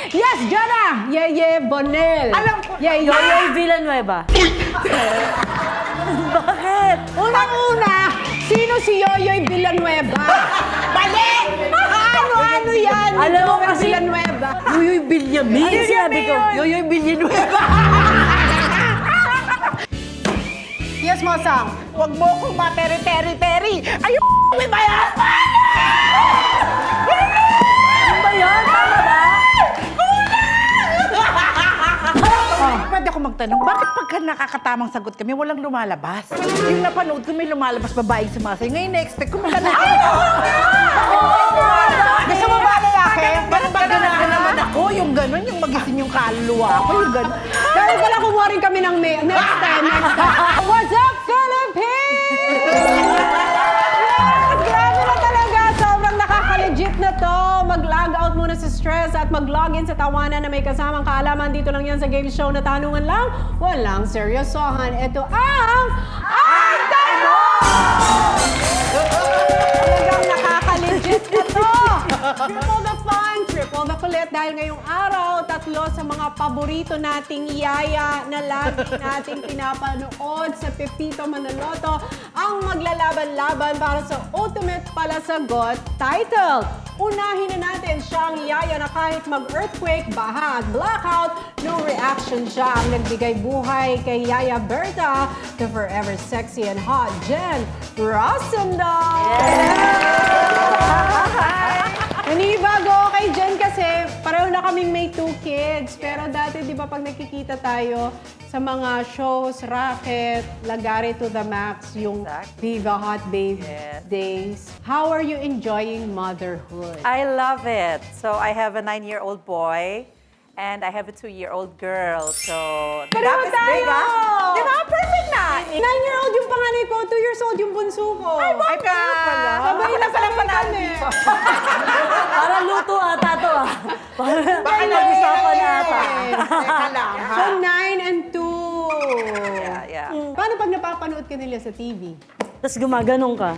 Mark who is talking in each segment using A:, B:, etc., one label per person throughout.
A: Yes, Jana! Yeye Bonel.
B: Alam ko.
A: Yeye.
C: Yoyoy Villanueva. Bakit?
A: Unang-una, sino si Yoyoy Villanueva?
B: Mali!
A: Ano yan?
C: Alam mo
A: Yoyoy
C: kasi-
A: Villanueva.
C: Yoyoy Villamin.
B: Ano
C: Sinabi
B: yun?
C: ko, Yoyoy Villanueva.
A: Yes, Mosang.
B: Huwag mo akong materi-teri-teri. Ayun, may bayan!
C: Ano ba yan? Tama ba?
B: Pwede ako magtanong, bakit pagka nakakatamang sagot kami, walang lumalabas? Yung napanood ko, may lumalabas babaeng sumasayo. Ngayon, na-expect ko maglalaki. Gusto mo ba lalaki? Parang ganahan naman ako. Yung gano'n, yung magising yung kaluluwa ako. Yung gano'n.
A: Dahil pala kumuha rin kami ng next time. What's up, Philippines? Yes! Grabe na talaga. Sobrang nakaka-legit na to. Mag-log out muna sa stress at mag-log in sa tawanan na may kasamang kaalaman. Dito lang yan sa game show na tanungan lang. Walang seryosohan. Ito ang Ang Tanong! Talagang nakaka-legit na to. Triple the fun, triple the kulit. Dahil ngayong araw, tatlo sa mga paborito nating yaya na lagi nating pinapanood sa Pepito Manaloto ang maglalaban-laban para sa Ultimate Palasagot title. Unahin na natin siyang yaya na kahit mag-earthquake, baha at blackout, no reaction siya ang nagbigay buhay kay Yaya Berta, the forever sexy and hot Jen Rosendal. Nanibago kay Jen kasi pareho na kaming may 2 kids. Pero dati, di ba, pag nakikita tayo sa mga shows, Racket, Lagare to the Max, yung
D: Exactly.
A: Viva Hot Babe
D: Yes.
A: days. How are you enjoying motherhood?
D: I love it. So I have a 9-year-old boy and I have a 2-year-old girl. So the
A: Pareho
D: gap is big,
A: tayo!
D: ah. Di ba? Perfect na!
A: 9-year-old yung panganay ko, 2 years old yung bunso ko.
D: Ay, kayo pala.
A: Sabay
D: Ako
A: na
D: na palang
A: sabay
D: panalo
A: kami.
D: dito.
C: Parang luto ata to ah. Parang
B: Baka
C: nag-usapan na ata.
B: Teka lang, ha?
A: So, 9 and 2.
D: Yeah, yeah.
A: Paano pag napapanood ka nila sa TV?
C: Tapos gumaganong ka.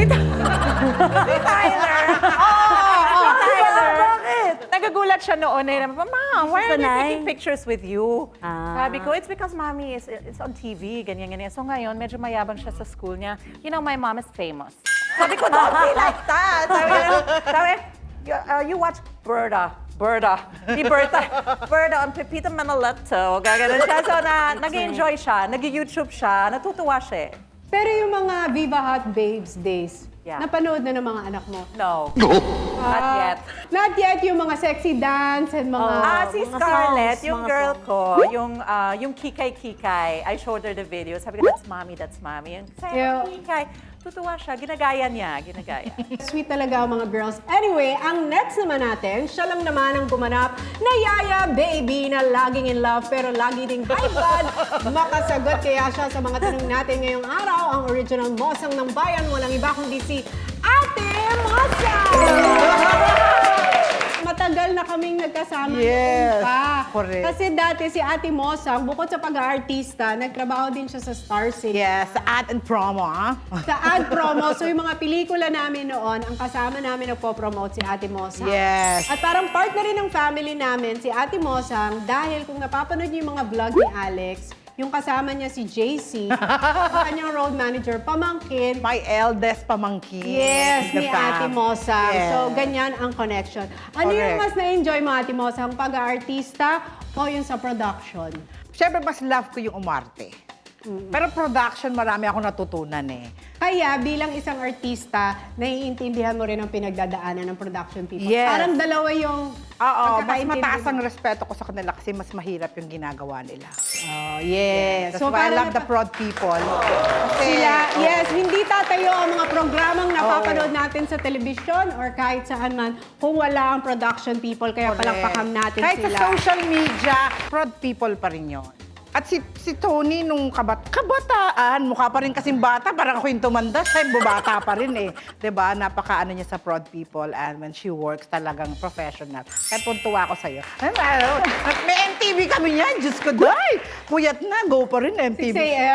D: Tyler!
C: Tyler! Bakit?
D: Nagagulat siya noon eh. Mama, why are they
C: Sanay.
D: taking pictures with you?
C: Ah.
D: Sabi ko, it's because mommy is on TV, ganyan, ganyan. So ngayon, medyo mayabang siya sa school niya. You know, my mom is famous. Sabi ko, don't be like that. You watch Berta. Ni Berta on Pepito Manaloto. Gaganon siya. So nag-enjoy siya, nag-YouTube siya, natutuwa siya.
A: Pero yung mga Viva Hot Babes days,
D: Yeah.
A: napanood na ng mga anak mo?
D: No, not yet.
A: Not yet yung mga sexy dance and mga...
D: Si
C: mga
D: Scarlett,
C: songs,
D: yung
C: mga
D: girl
C: songs.
D: ko, yung Kikay, I showed her the video. Sabi ko, that's mommy. Yung
A: Yeah.
D: Kikay, tutuwa siya, ginagaya niya.
A: Sweet talaga ang mga girls. Anyway, ang next naman natin, siya lang naman ang gumanap na Yaya Baby na laging in love pero lagi ding high blood. Makasagot kaya siya sa mga tanong natin ngayong araw. Ang original Mosang ng Bayan, walang iba kundi si Ate Mosang! Matagal na kaming nagkasama
B: Yes,
A: noon pa.
B: correct.
A: Kasi dati si Ate Mosang, bukod sa pag-aartista, nagtrabaho din siya sa Star City.
B: Yes, ad and promo, ha?
A: Sa ad promo, so yung mga pelikula namin noon, ang kasama namin nagpo-promote si Ate Mosang.
B: Yes.
A: At parang part na rin ng family namin, si Ate Mosang, dahil kung napapanood niyo yung mga vlog ni Alex, yung kasama niya si JC, ang kanyang road manager, pamangkin,
B: My eldest pamangkin.
A: yes,
B: The
A: ni
B: fam.
A: Ate Mosang.
B: Yes.
A: So, ganyan ang connection. Ano yung
B: Correct.
A: mas na-enjoy mo, Ate Mosang, pag-aartista o yung sa production?
B: Siyempre, mas love ko yung umarte. Pero production, marami ako natutunan eh.
A: Kaya bilang isang artista, naiintindihan mo rin ang pinagdadaanan ng production people.
B: Yes.
A: Parang dalawa yung
B: Oo, mas
A: pagkakaintindi
B: mataas ang
A: mo.
B: respeto ko sa kanila kasi mas mahirap yung ginagawa nila.
A: Oh, yes.
B: That's why I love the prod people. Kasi,
A: Sila,
B: oh,
A: yes, hindi tatayo ang mga programang napapanood natin sa telebisyon or kahit saan man kung wala ang production people. Kaya
B: correct.
A: palakpakan natin
B: Kahit
A: sila.
B: sa social media, prod people pa rin yun. At si Tony, nung kabataan, mukha pa rin kasing bata, parang ako yung tumanda, siya yung bata pa rin eh. 'Di ba? Napaka-ano niya sa prod people and when she works, talagang professional. Kaya tuntua ako sa'yo. May MTV kami niyan, Diyos ko, day! Puyat na, go pa rin
A: 6
B: MTV.
A: a.m.?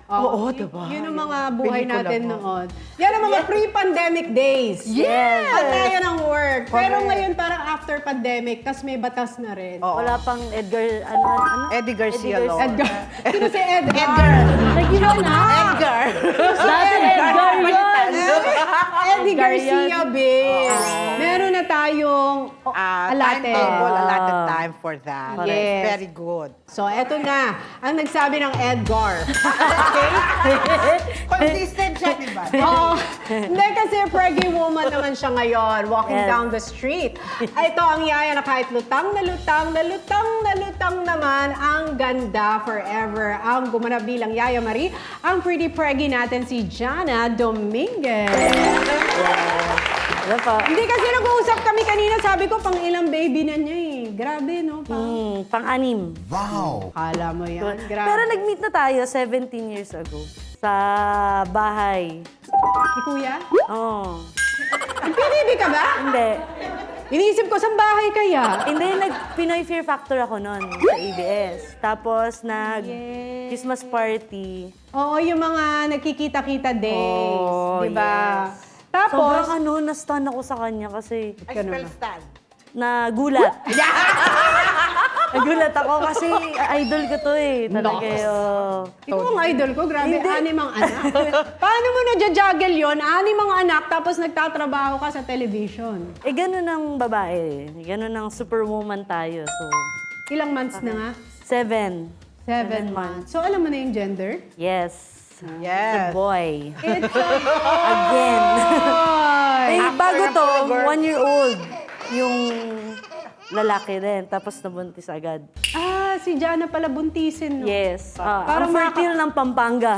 B: Oo, diba?
A: Yun ang mga buhay
B: Pelikula
A: natin
B: mo.
A: noon. Yan ang mga pre-pandemic days.
C: Yes.
A: At tayo ng work. Pero
B: Correct.
A: ngayon parang after pandemic, tas may batas na rin.
B: Oo.
C: Wala pang Edgar, ano?
B: Eddie Garcia Lord.
A: Edgar. Sino si Edgar?
B: Edgar.
C: Nag-iba na.
B: Edgar.
C: Dati Edgar yun.
A: Eddie Garcia, babe. Meron na tayong allotted.
B: Timetable, allotted time for that.
A: Yes.
B: Very good.
A: So, eto na. Ang nagsabi ng Edgar. Okay?
B: Consistent siya, di ba?
A: Oo. Hindi kasi preggy woman naman siya ngayon, walking
C: Yes.
A: down the street. Ito ang yaya na kahit lutang na lutang na lutang na lutang naman, ang ganda forever. Ang gumanap bilang Yaya Marie, ang pretty preggy natin si Jana Dominguez.
C: Ano pa?
A: Hindi kasi nag-uusap kami kanina, sabi ko pang ilang baby na niya eh. Grabe, no?
C: Pang-anim.
A: Kala mo yan. Grabe.
C: Pero nag-meet na tayo 17 years ago. Sa bahay.
A: Si Kuya?
C: Oo.
A: Nag-PBB ka ba?
C: Hindi.
A: Iniisip ko, saan bahay kaya?
C: Hindi, nag-Pinoy Fear Factor ako noon sa ABS. Tapos nag-Christmas party.
A: Oo, yung mga nagkikita-kita days.
C: Oh,
A: di ba?
C: yes.
A: Tapos,
C: Sobrang na-stun ako sa kanya kasi
B: I spell stand.
C: nagulat. Nagulat ako kasi idol ko to eh. Talaga
A: ikaw ang idol ko, grabe, anim ang anak. Paano mo na-juggle yun? Anim ang anak, tapos nagtatrabaho ka sa television.
C: Eh, ganun ang babae. Ganun ang superwoman tayo. So,
A: Ilang months na nga?
C: 7.
A: 7 months. So, alam mo na yung gender?
C: Yes.
B: Yes.
C: Boy.
A: It's a
C: Again.
A: boy!
C: Eh, bago
B: na
C: to,
B: forever.
C: 1 year old. Yung lalaki rin. Tapos nabuntis agad.
A: Ah, si Jana pala buntisin, no?
C: Yes.
A: Parang
C: Ang fertile ng Pampanga.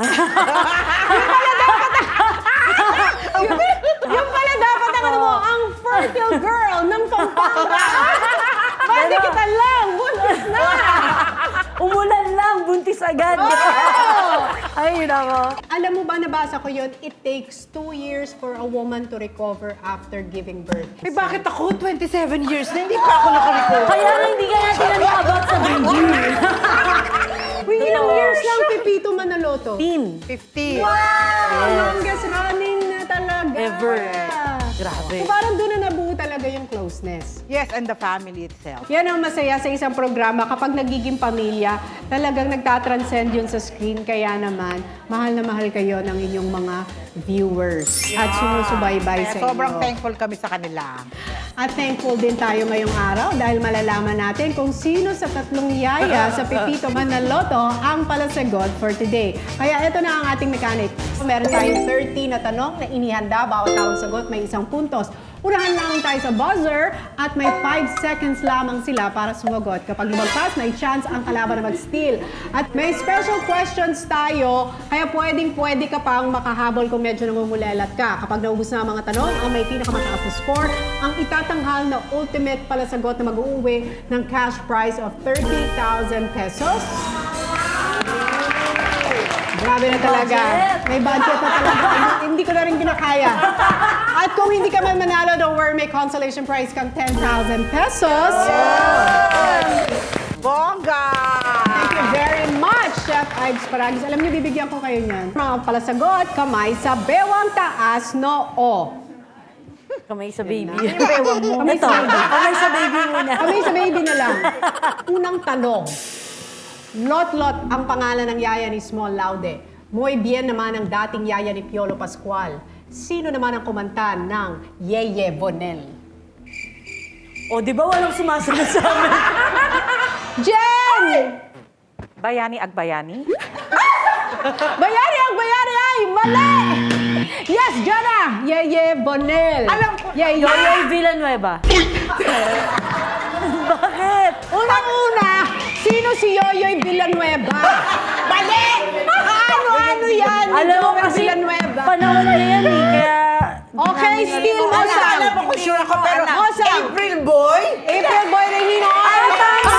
A: Yung pala dapat ang ano mo, ang fertile girl ng Pampanga. Pwede kita lang, buntis na!
C: Umulan lang, buntis agad. Ay, nako.
A: Alam mo ba, nabasa ko yun, it takes 2 years for a woman to recover after giving birth.
B: Eh, bakit ako? 27 years na, hindi pa ako nakarecover.
C: Kaya nga hindi ka natin about sa baby.
A: Uy, ilang years lang Pipito Manaloto?
C: 15.
B: 50.
A: Wow! Longest running na talaga.
C: Ever. Grabe.
A: So parang doon na nabuo talaga yung closeness.
B: Yes, and the family itself.
A: Yan ang masaya sa isang programa kapag nagiging pamilya, talagang nagtatranscend yun sa screen. Kaya naman, mahal na mahal kayo ng inyong mga viewers at sumusubaybay
B: Kaya
A: sa
B: sobrang
A: inyo.
B: thankful kami sa kanila.
A: At thankful din tayo ngayong araw dahil malalaman natin kung sino sa tatlong yaya sa Pipito Manaloto ang palasagot for today. Kaya ito na ang ating mechanic. Meron tayong 30 na tanong na inihanda. Bawat tawang sagot may isang puntos. Unahan lang tayo sa buzzer at may 5 seconds lamang sila para sumagot. Kapag lumagpas, may chance ang kalaban na mag-steal. At may special questions tayo, kaya pwedeng-pwede ka pang makahabol kung medyo namumulelat ka. Kapag naubos na ang mga tanong, ang may pinakamataas na score, ang itatanghal na ultimate palasagot na mag-uuwi ng cash prize of 30,000 pesos. Grabe na talaga. May budget na talaga. Hindi ko na rin kinakaya. At kung hindi ka man manalo, don't worry, may consolation prize kang 10,000 pesos.
B: Bongga!
A: Thank you very much, Chef Ives Paragis. Alam niyo, bibigyan ko kayo niyan. Mga palasagot, kamay sa bewang taas, noo.
C: Kamay sa baby.
A: Kamay
C: Ito,
A: sa baby.
C: kamay sa baby muna.
A: Kamay sa baby na lang. Unang tanong. Lot-lot ang pangalan ng yaya ni Small Laude. Muy bien naman ang dating yaya ni Piolo Pascual. Sino naman ang kumanta ng Yeye Bonel?
C: O, di ba walang sumasagot sa amin?
A: Jen!
D: Bayani Agbayani?
A: Bayari ang bayari ay mali! Yes, Jana! Yeye Bonel.
B: Alam ko.
A: Yeye.
C: Yoyoy Villanueva. Bakit?
A: Unang-una, sino si Yoyoy Villanueva? Mali! Ano yan? ni
C: Alam mo
A: Joel
C: kasi,
A: Villanueva?
C: panahon niya yan eh, kaya...
A: Okay, still mo
B: Alam, alam ako, sure ako, pero
A: Osam.
B: April Boy?
A: April Boy Regino. Ay, tama!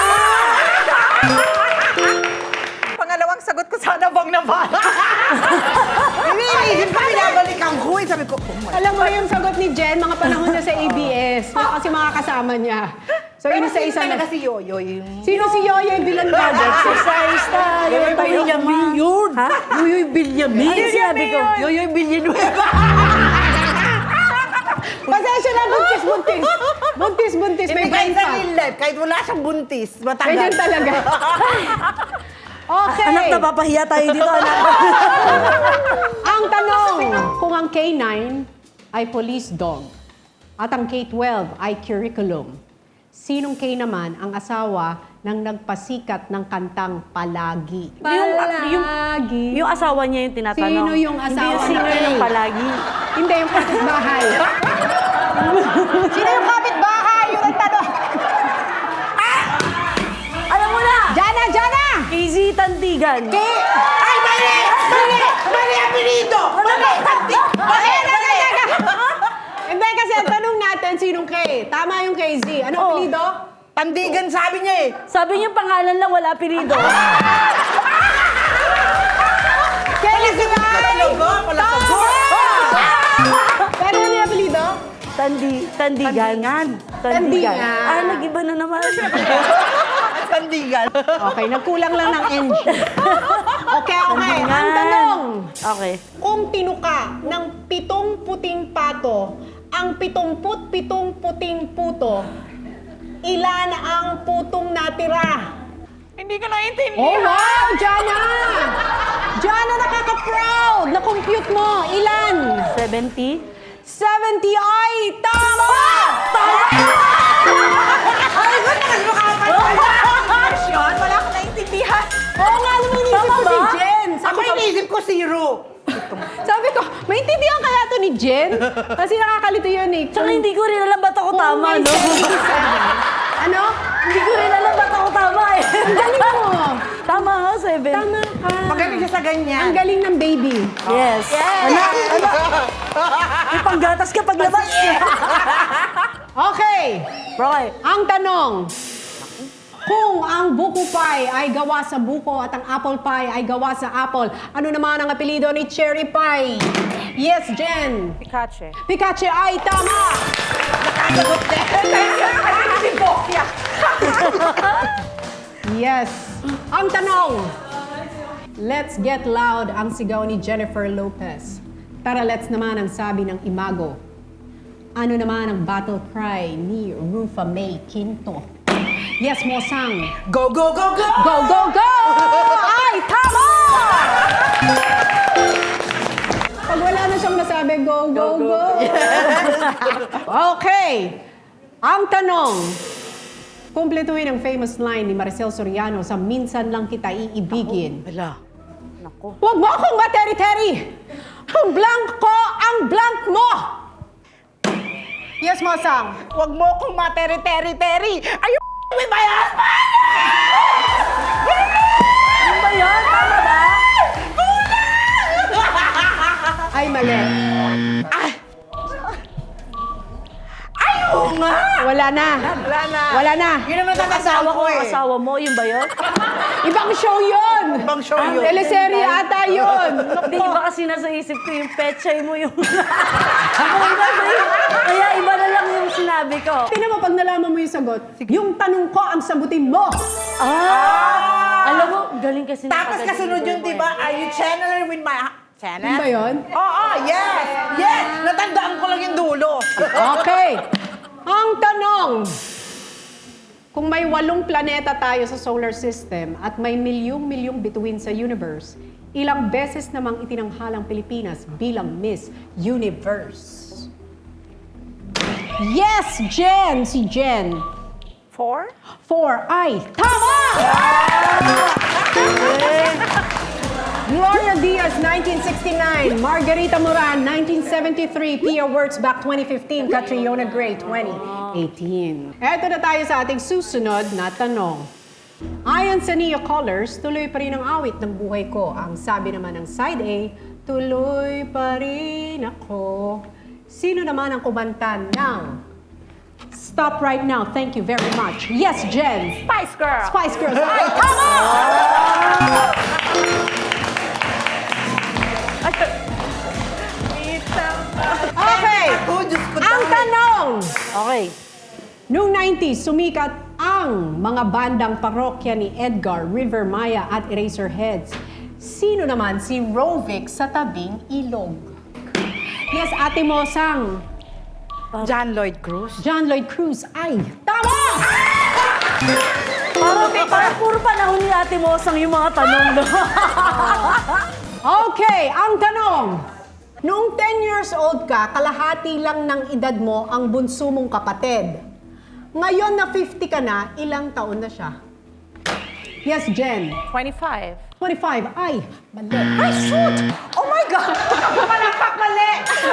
D: Pangalawang sagot ko sana bang nabala.
B: Iniisip ko, binabalikan ko. Eh, sabi ko, oh my
A: Alam mo yung sagot ni Jen, mga panahon niya sa ABS. Kasi mga kasama niya. So, isa-isa na.
B: talaga si Yoyoy.
A: Sino si Yoyoy Bilandagat?
C: Exercise tayo.
B: Benjamin yun.
C: Ha?
B: Yoyoy Villanueva.
C: Ano yung sinabi ko?
B: Yoyoy Villanueva.
A: Pasensya na, buntis-buntis. Buntis-buntis, may
B: Hindi
A: brain
B: kahit sa
A: pa.
B: real life, kahit wala siyang buntis, matagal.
A: Ganyan talaga. Okay.
C: Anak, napapahiya tayo dito, anak.
A: Ang tanong, kung ang K9 ay police dog at ang K12 ay curriculum, sinong K naman ang asawa ng nagpasikat ng kantang Palagi? Palagi.
C: Yung asawa niya yung tinatanong.
A: Sino yung asawa
C: Hindi yung sino
A: ni
C: yung
A: Kay?
C: palagi.
A: Hindi, yung kapitbahay. Sino yung kapitbahay? Yung nagtanong.
C: Alam mo na!
A: Jana, Jana!
C: KZ Tandigan.
B: Ay, mali! Mali! Mali ang pinito! Mali!
A: Hindi, kasi ang tanong natin, sinong K? Tama yung KZ. Anong
C: Oh.
A: apelido?
B: Tandigan sabi niya eh.
C: Sabi niya pangalan lang, wala apelido.
A: KZ!
B: Palasagot!
A: Pero ano yung apelido?
C: Tandigan.
A: Tandigan.
C: Ah, nag-iba na naman.
B: Tandigan.
A: Okay, nagkulang lang ng NG. Okay. Ang
C: Tandigan.
A: tanong,
C: Okay.
A: kung tinuka ng 7 puting pato, ang 77 puting puto, ilan ang putong natira?
B: Hindi ko naintindihan.
A: Oh, wow, Jana! Jana, nakaka-proud! Na-compute mo, ilan?
C: 70.
A: 70 ay tama!
B: Ay, ba't naman makakapagpapasyon? Wala akong naintindihan.
A: Oo nga, naman inisip
C: Tama
A: ko si
C: ba?
A: Jen.
B: Ako inisip ko zero.
A: Sabi ko, maintindihan kaya to ni Jen? Kasi nakakalito yun eh.
C: Tsaka hindi ko rin alam ba't ako
A: Kung
C: tama,
A: may
C: no?
A: 77. Ano?
C: Hindi ko rin alam ba't ako tama eh.
A: Ang galing mo.
C: Tama nga, 7.
A: Tama ka.
B: Magaling siya sa ganyan.
A: Ang galing ng baby.
C: Yes. Anak, may panggatas ka paglabas.
A: Okay.
C: Roy.
A: Ang tanong, kung ang buko pie ay gawa sa buko at ang apple pie ay gawa sa apple, ano naman ang apelido ni cherry pie? Yes, Jen.
D: Pikachu.
A: Pikachu ay tama.
B: Nakasagot din. Si Bokya.
A: Yes. Ang tanong, let's get loud ang sigaw ni Jennifer Lopez. Tara, let's naman ang sabi ng Imago. Ano naman ang battle cry ni Rufa May Quinto? Yes, Mosang.
B: Go, go, go, go!
A: Go, go, go! Ay, tama! Pag wala na siyang nasabi, go, go, go. Okay. Ang tanong, kumpletuhin ang famous line ni Maricel Soriano sa Minsan Lang Kita Iibigin.
B: Wala.
C: Nako.
A: Huwag mo akong materi-teri! Ang blank ko, ang blank mo! Yes, Mosang.
B: Huwag mo akong materi-teri-teri. Ayun, may bayan!
C: Ano ba yun? Tama ba?
A: Ay, mali.
B: Oo nga!
A: Wala na.
B: Wala na.
A: Wala na.
B: Yun naman ang
C: Asawa ko,
B: eh.
C: asawa mo, yun ba yun?
A: Ibang show yun!
B: Ibang show yun.
A: Teleserye ata yun!
C: Hindi, iba kasi nasa isip ko yung pechay mo yung... Ako iba sa'yo. Kaya iba na lang yung sinabi ko.
A: Tingnan mo, pag nalaman mo yung sagot, yung tanong ko ang sagutin mo!
C: Alam mo, galing kasi
B: Tapos
C: nakagaling
B: kasunod yun,
C: ko
B: di ba? Are you channeling with my... Channel?
A: Ano ba yun?
B: Oo, yes! Yes! Natandaan ko lang yung dulo.
A: Okay. Ang tanong, kung may 8 planeta tayo sa solar system at may milyong-milyong bituin sa universe, ilang beses namang itinanghalang Pilipinas bilang Miss Universe? Yes, Jen! Si Jen.
D: 4?
A: 4 ay tama! Gloria Diaz, 1969. Margarita Moran, 1973. Pia Wurtzbach, 2015. Catriona Gray, 2018. Eto na tayo sa ating susunod na tanong. Ayon sa Neo Colors, tuloy pa rin ang awit ng buhay ko. Ang sabi naman ng side A, tuloy pa rin ako. Sino naman ang kumanta ng Stop Right Now? Thank you very much. Yes, Jen.
D: Spice Girl.
A: Spice Girls. Ay, tama! Okay.
B: Ako, Diyos ko.
A: Ang tanong,
C: Okay.
A: Noong 90s, sumikat ang mga bandang parokya ni Edgar, River Maya at Eraserheads. Sino naman si Rovic sa tabing ilog? Yes, Ate Mosang.
B: John Lloyd Cruz.
A: John Lloyd Cruz ay tama!
C: Parang puro panahon ni Ate Mosang yung mga tanong, no?
A: Okay, ang tanong. Noong 10 years old ka, kalahati lang ng edad mo ang bunso mong kapatid. Ngayon na 50 ka na, ilang taon na siya? Yes, Jen.
D: 25.
A: 25. Ay, mali. Ay, shoot! Oh my God! Pumalakpak, mali!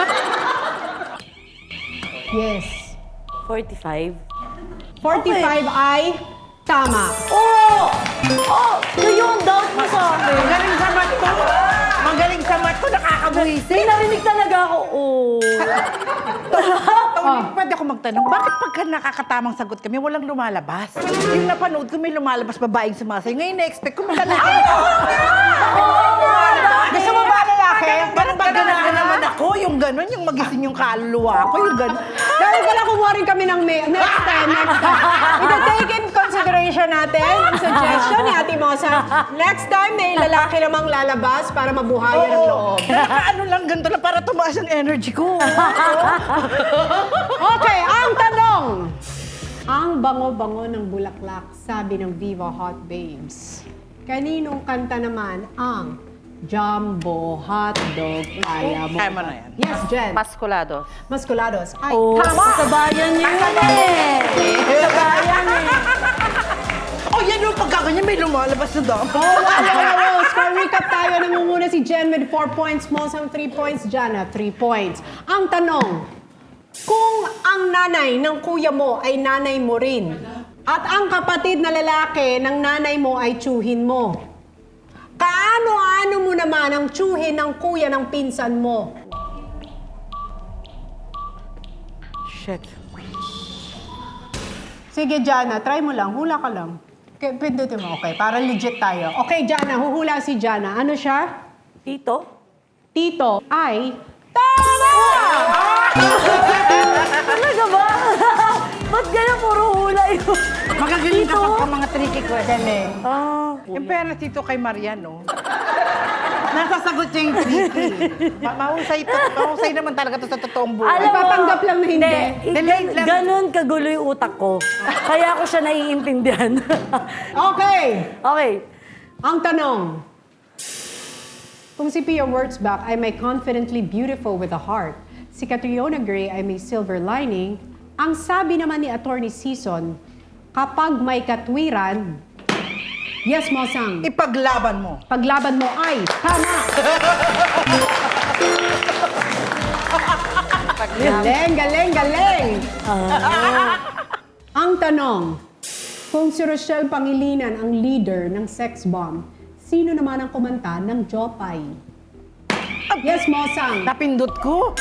A: Yes.
C: 45.
A: 45 ay tama.
C: Oh! Oh! Yun, doubt mo sa akin.
B: Magaling sa mat ko. Magaling sa mat ko, nakakabuhisin.
C: May narinig talaga ako, oh.
B: Tony, pwede ako magtanong, bakit pagka nakakatamang sagot kami, walang lumalabas? Yung napanood ko, may lumalabas babaeng sumasayo. Ngayon, na-expect ko malalaki. Gusto mo ba lalaki? Ganun ba ganahan naman ako? Yung ganun, yung magising yung kaluluwa ko, yung ganun.
A: Dahil pala kumuha rin kami ng next time. Ito-take in consideration natin ang suggestion ni Ate Mosa. Next time, may lalaki namang lalabas para mabuhayan ang loob.
B: Ano lang, ganito lang para tumaas ang energy ko.
A: Okay, ang tanong. Ang bango-bango ng bulaklak, sabi ng Viva Hot Babes. Kaninong kanta naman ang Jumbo Hotdog Kaya Mo?
B: Kaya mo na yan.
A: Yes, Jen.
D: Pasculados.
A: Masculados. Ay,
C: Oh,
A: tama!
C: sa bayan niyo yun eh. Sa bayan eh.
B: Oh, yan yung pagkaganyan, may lumalabas na daw.
A: Oh, wow. Score recap tayo. Namumuna si Jen with 4 points. Mosang 3 points. Jana, 3 points. Ang tanong, kung ang nanay ng kuya mo ay nanay mo rin, at ang kapatid na lalaki ng nanay mo ay tsuhin mo, kaano-ano mo naman ang tsuhin ng kuya ng pinsan mo?
B: Shit.
A: Sige, Jana, try mo lang. Hula ka lang. Okay, pindutin mo. Okay, para legit tayo. Okay, Jana, huhula si Jana. Ano siya?
C: Tito?
A: Tito ay tama!
C: Talaga ba? Ba't ganyan puro hula yun?
B: Magagaling ka
C: Tito?
B: pagka mga tricky question.
C: Ah,
B: Yung pera dito kay Mariano. Nasasagot niya yung tricky. Mahusay naman talaga to sa totoong buhay.
C: Alam mo,
A: Ipapanggap lang na hindi.
B: Delayed lang.
C: Ganon kagulo yung utak ko. Kaya ko siya naiintindihan.
A: Okay,
C: Okay.
A: ang tanong. Kung si Pia Wurtzbach ay may confidently beautiful with a heart, si Catriona Gray ay may silver lining, ang sabi naman ni Attorney Season, kapag may katwiran, yes, Mosang,
B: Ipaglaban mo.
A: paglaban mo ay tama. Galing, galing, galing. Ang tanong, kung si Rochelle Pangilinan ang leader ng sex bomb, sino naman ang kumanta ng Jopay? Yes, Mosang.
B: Napindot ko.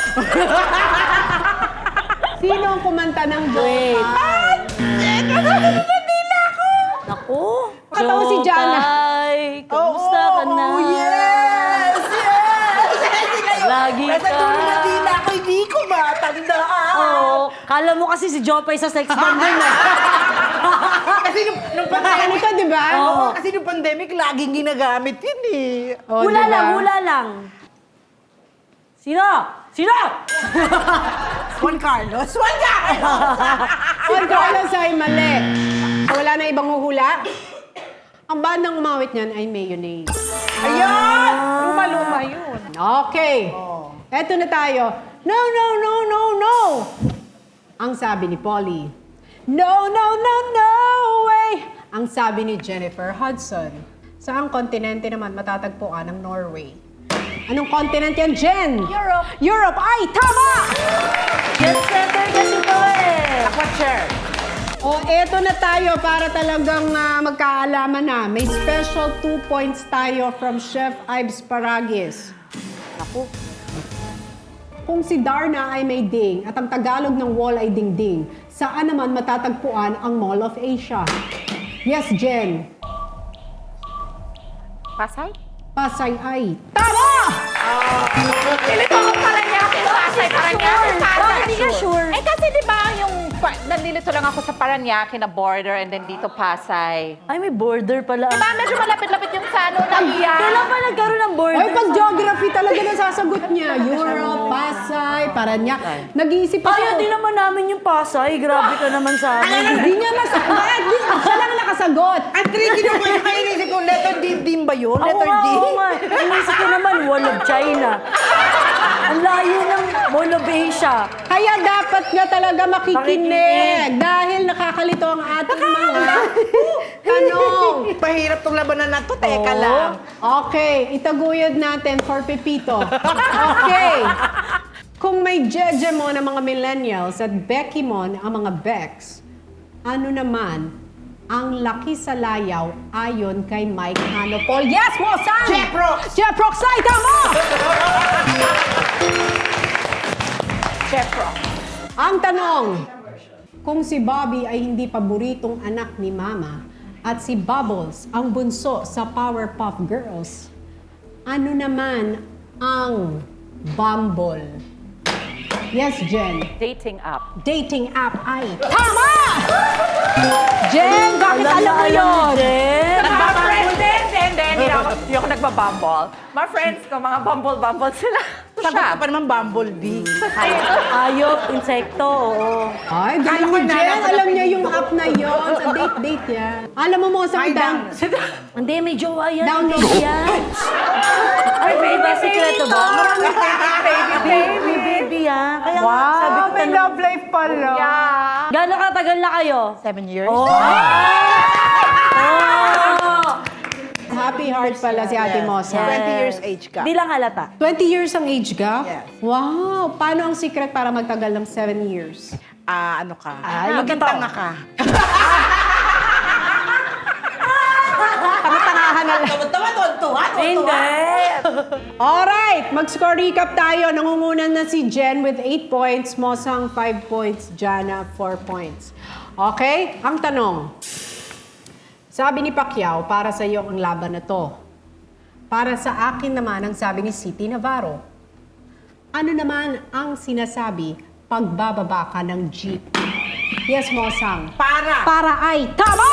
A: Sino ang kumanta ng Jopay?
C: Naku.
A: Katawa si Jana.
C: Jopay, kamusta ka na?
B: Oh, yes! Yes!
C: Lagi
B: Nasa
C: ka.
B: dulo na tila ako, hindi ko matandaan.
C: Oo. Kala mo kasi si Jopay sa sex bomb din eh.
B: Kasi nung
A: Ano
B: pandemic,
A: ka, di ba?
B: Oo, kasi nung pandemic, laging ginagamit yun eh.
A: Oh,
C: Hula
A: diba?
C: lang, hula lang. Sino? Sino?
B: Juan Carlos. Juan Carlos!
A: Juan Carlos ay mali. So, wala na ibang huhula? Ang bandang umawit niyan ay mayonnaise.
B: Ayun! Luma-luma yun.
A: Okay. Eto na tayo. No, no, no, no, no. Ang sabi ni Polly. No, no, no, no way. Ang sabi ni Jennifer Hudson. Saang kontinente naman matatagpuan ang Norway? Anong continent yan, Jen?
D: Europe.
A: Europe ay tama!
C: Jet setter kasi to eh.
B: Aquachair.
A: O, eto na tayo para talagang magkaalaman na. May special 2 points tayo from Chef Ives Paragis.
C: Naku.
A: Kung si Darna ay may ding at ang Tagalog ng wall ay dingding, saan naman matatagpuan ang Mall of Asia? Yes, Jen.
D: Pasay?
A: Pasay ay tama!
D: Pilipinong pala niya. Pasay, parang niya.
C: Bakit hindi ka sure?
D: Eh kasi di ba yung nalilito lang ako sa Parañaque na border and then dito Pasay.
C: Ay, may border pala.
D: Diba, medyo malapit-lapit yung sa ano, Nahiya.
C: Kailan pa nagkaroon ng border?
A: Oy, pag geography talaga nasasagot niya. Europe, Pasay, Parañaque. Nag-iisip pa
C: Kaya
A: siya.
C: din naman namin yung Pasay. Grabe ka naman sa amin.
A: Hindi niya masagot. Siya lang nakasagot.
B: Ang tricky naman yung kainisip ko, letter D din ba yun?
C: Ako
B: Letter
C: nga,
B: D?
C: ako nga. Inisip ko naman, Wall of China. Ang layo ng Wall of Asia.
A: Kaya dapat nga talaga makikinig. Dahil nakakalito ang ating mga tanong.
B: Mahirap tong labanan na to, teka lang.
A: Okay, itaguyod natin for Pepito. Okay. Kung may Jeje mo ng mga millennials at Becky mo ang mga Becks, ano naman ang laki sa layaw ayon kay Mike Hanopol? Yes, Mosan!
B: Jeff Rox!
A: Jeff Rox, ay tama!
D: Chef Rock.
A: Ang tanong, kung si Bobby ay hindi paboritong anak ni Mama at si Bubbles ang bunso sa Powerpuff Girls, ano naman ang Bumble? Yes, Jen.
D: Dating app.
A: Dating app ay tama! Jen, bakit alam mo
C: na
A: yun?
C: Jen.
D: Nagba-friends din. Hindi ako nagbabumble. Mga friends ko, mga bumble sila.
B: Sagot
D: Siya.
B: ko pa naman Bumblebee.
C: Hayop, insekto, oo.
A: Ay,
B: Kala
A: galing
B: ko
A: ni Jen.
B: nalaman
A: Alam
B: na
A: niya yung
B: Pilipino.
A: app na yon. Sa date yan. Alam mo mo sa
B: Ay,
A: down.
C: Hindi, may jowa yan.
A: Download.
C: Hindi yan. Ay, may ba? Sikreto ba? Marami baby, baby, ah. Kaya nga, sabi ko,
B: may love life pala.
D: Yeah.
C: gano'ng katagal na kayo?
B: 7 years?
C: Oh!
A: Happy heart pala si Ate Mosa.
B: 20 years age ka.
C: Di lang halata.
A: 20 years ang age gap?
B: Yes.
A: Wow! Paano ang secret para magtagal ng 7 years?
B: Ano ka?
C: Ay,
B: Magkatanga ka.
C: Hindi.
A: Alright! Mag-score recap tayo. Nangungunan na si Jen with 8 points, Mosang 5 points, Jana 4 points. Okay? Ang tanong. Sabi ni Pacquiao, para sa iyo ang laban na to. Para sa akin naman ang sabi ni City Navarro. Ano naman ang sinasabi pagbababa ka ng jeep? Yes, Mosang.
B: Para.
A: Para ay tama!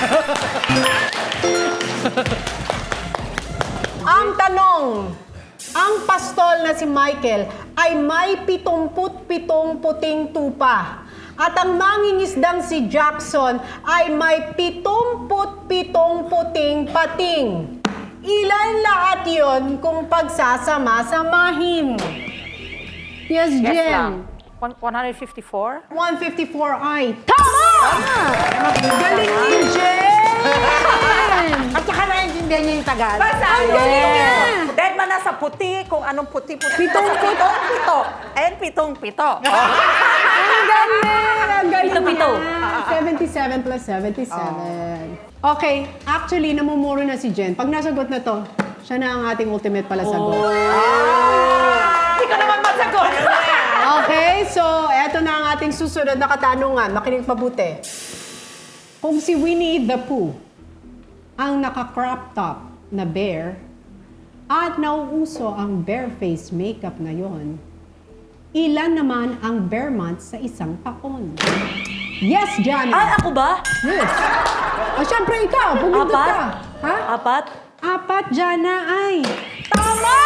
A: Ang tanong, ang pastol na si Michael ay may 77 puting tupa. At ang mangingisdang si Jackson ay may 77 puting pating. Ilan lahat yon kung pagsasama-samahin? Yes,
D: Yes
A: Jen.
D: lang. 154?
A: 154 ay tama! Galing ni Jen!
B: At saka naiintindihan niya yung Tagalog.
A: Ang galing niya!
D: Dead man na sa puti, kung anong puti-puti.
A: Pitong-pito.
D: Pito. And pitong-pito.
A: Ang galing! Ang galing
C: Pito-pito.
A: niya. 77 plus 77. Okay, actually, namumuro na si Jen. Pag nasagot na to, siya na ang ating ultimate pala sagot.
D: Hindi ko naman masagot.
A: Okay, so eto na ang ating susunod na katanungan. Makinig mabuti. Kung si Winnie the Pooh ang naka-crop top na bear at nauuso ang bare face makeup ngayon, ilan naman ang bear months sa isang taon? Yes, Jana!
C: Ay, ako ba?
A: Yes. O, syempre ikaw, pumindot
C: Apat?
A: ka. Ha?
C: Apat?
A: Apat, Jana, ay. Tama!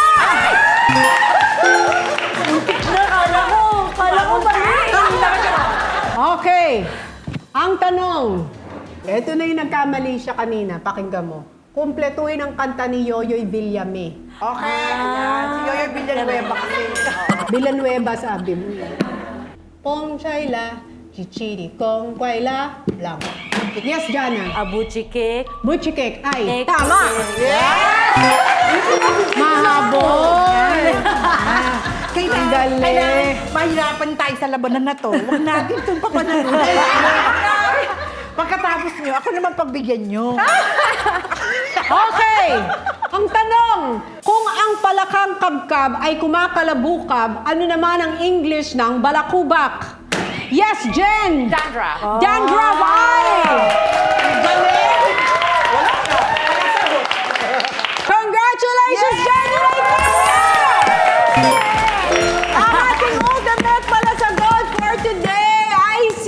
C: Kala ko mali.
A: Okay. Ang tanong. Ito na yung nagkamali siya kanina. Pakinggan mo. Kumpletuhin ang kanta ni Yoyoy Villame.
B: Okay. Ayan. Si Yoyo Villanueva kasi.
A: Villanueva sabi mo. Pong Chayla, chichiri kong kwaila, lang. Yes, Jana.
C: Abuchikik.
A: Butchikek ay
C: Cake.
A: tama. Mahabol. Ang galing.
B: Kailangan mahirapan tayo sa labanan na to. Huwag natin itong papanalunan. Pagkatapos nyo, ako naman pagbigyan nyo.
A: Okay! Ang tanong, kung ang palakang kabkab ay kumakalabukab, ano naman ang English ng balakubak? Yes, Jen!
D: Dandra.
A: Dandra, why?
B: Galing!
A: Congratulations, Jen! Right there! Ang ating ultimate pala sa gold for today ay si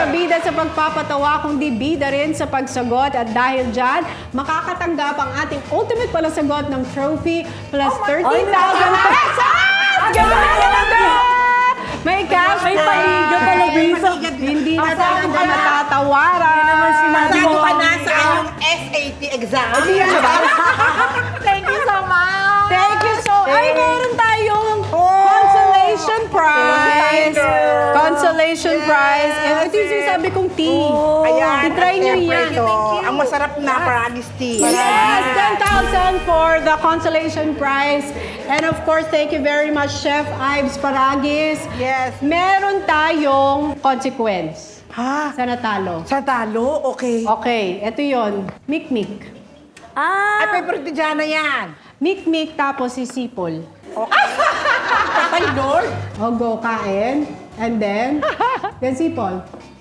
A: siya bida sa pagpapatawa, kundi bida rin sa pagsagot. At dahil dyan, makakatanggap ang ating ultimate palasagot ng trophy plus 13,000 pesos! Ganda! May cash
C: May
A: prize.
C: paliga pala, Bisa.
A: Hindi na talaga matatawaran.
E: Masyado ka na sa iyong SAT exam.
D: Thank you so much!
A: Thank you so Ay, meron tayong consolation prize. Consolation prize. And ito yung sinasabi kong tea.
B: Ayan,
A: I-try nyo
B: siyempre
A: yan.
B: ito, ang masarap na Paragis tea.
A: Yes, 10,000 for the consolation prize. And of course, thank you very much, Chef Ives Paragis.
B: Yes.
A: Meron tayong consequence
B: Ha?
A: sa natalo.
B: Sa talo? Okay.
A: Okay, ito yon. Mikmik.
B: Ay,
C: Ah!
B: favorite ni Jana yan.
A: Mikmik tapos sisipol.
B: Patay, Lord.
A: O, go, kain. And then sipol.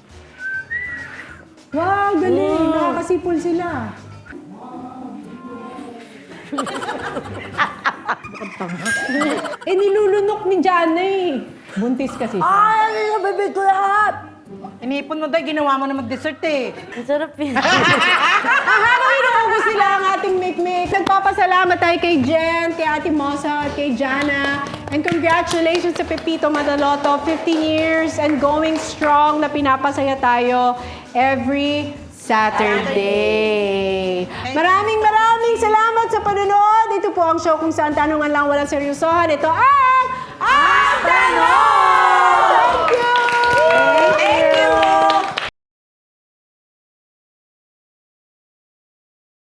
A: Wow, galing. Nakakasipol sila. Nilulunok ni Jana eh. Buntis kasi siya.
C: Ay, nabibig ko lahat!
B: Inipon mo daw, ginawa mo na mag-dessert eh.
C: Ang sarap yun.
A: Haharoin ako sila ang ating mikmik. Nagpapasalamat tayo kay Jen, kay Ate Mosa, at kay Jana. And congratulations sa Pepito Madaloto. 15 years and going strong na pinapasaya tayo every Saturday. Maraming salamat sa panonood. Ito po ang show kung saan tanungan lang walang seryosohan. Ito ay